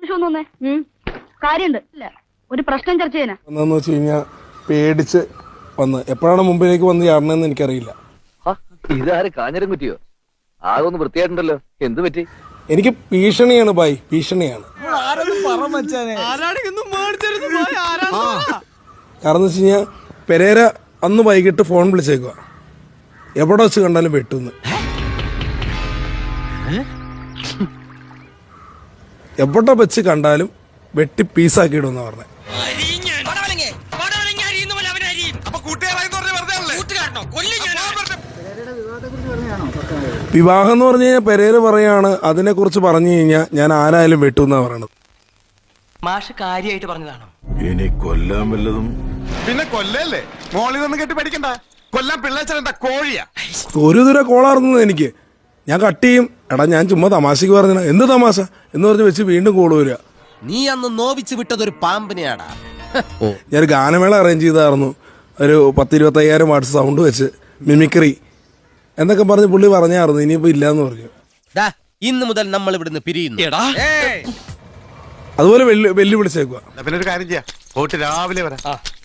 ആവശ്യം ഒന്നേ കാര്യമുണ്ട് ഇല്ല ഒരു പ്രശ്നം ചർച്ച ചെയ്യാനാ എന്താന്ന് വെച്ച് കഴിഞ്ഞാൽ പേടിച്ച് വന്ന് എപ്പോഴാണ് മുമ്പിലേക്ക് വന്ന് ചാടണമെന്ന് എനിക്കറിയില്ല. ഇതാര് കാഞ്ഞിരം കുറ്റിയോ? ആകൊന്ന് വൃത്തിയായിട്ടുണ്ടല്ലോ, എന്ത് പറ്റി? എനിക്ക് ഭീഷണിയാണ് ബായ്, ഭീഷണിയാണ്. കാരണം വെച്ച് കഴിഞ്ഞാൽ പെരേര അന്ന് വൈകിട്ട് ഫോൺ വിളിച്ചേക്കുക, എവിടെ വെച്ച് കണ്ടാലും വെട്ടുന്ന്, എവിടെ വെച്ച് കണ്ടാലും വെട്ടി പീസാക്കിയിടുന്ന പറഞ്ഞത്. വിവാഹം എന്ന് പറഞ്ഞു കഴിഞ്ഞാൽ പെരേര പറയാണ്, അതിനെ കുറിച്ച് പറഞ്ഞു കഴിഞ്ഞാൽ ഞാൻ ആരായാലും വെട്ടുന്നാ പറയണത്. മാഷ് കാര്യമായിട്ട് പറഞ്ഞതാണോ? ഇനി കൊല്ലാൻ വല്ലതും പിന്നെ കൊല്ലല്ലേ, മോളിൽ നിന്ന് കെട്ടി പഠിക്കണ്ട. കൊല്ലാൻ പിള്ളേച്ചെന്താ കോഴിയാ? ഒരു ദൂരം കോളാർന്നത് എനിക്ക്. ഞാൻ കട്ട് ചെയ്യും. എടാ ഞാൻ ചുമ്മാ തമാശക്ക് പറഞ്ഞ എന്ത് തമാശ എന്ന് പറഞ്ഞ് വെച്ച് വീണ്ടും കോള് വരിക. നീ അന്ന് നോവിച്ച് വിട്ടതൊരു പാമ്പിനെയാടാ. ഞാനൊരു ഗാനമേള അറേഞ്ച് ചെയ്തായിരുന്നു, ഒരു 10-25,000 വാട്സ് സൗണ്ട് വെച്ച് മിമിക്രി എന്നൊക്കെ പറഞ്ഞ് പുള്ളി പറഞ്ഞായിരുന്നു. ഇനിയിപ്പോ ഇല്ലാന്ന് പറഞ്ഞു. ഇന്ന് മുതൽ നമ്മൾ ഇവിടുന്ന് പിരിയുന്നു. അതുപോലെ വെല്ലുവിളിച്ചേക്കുക. പിന്നെ ഒരു കാര്യം ചെയ്യാം, പോയിട്ട് രാവിലെ വരാം.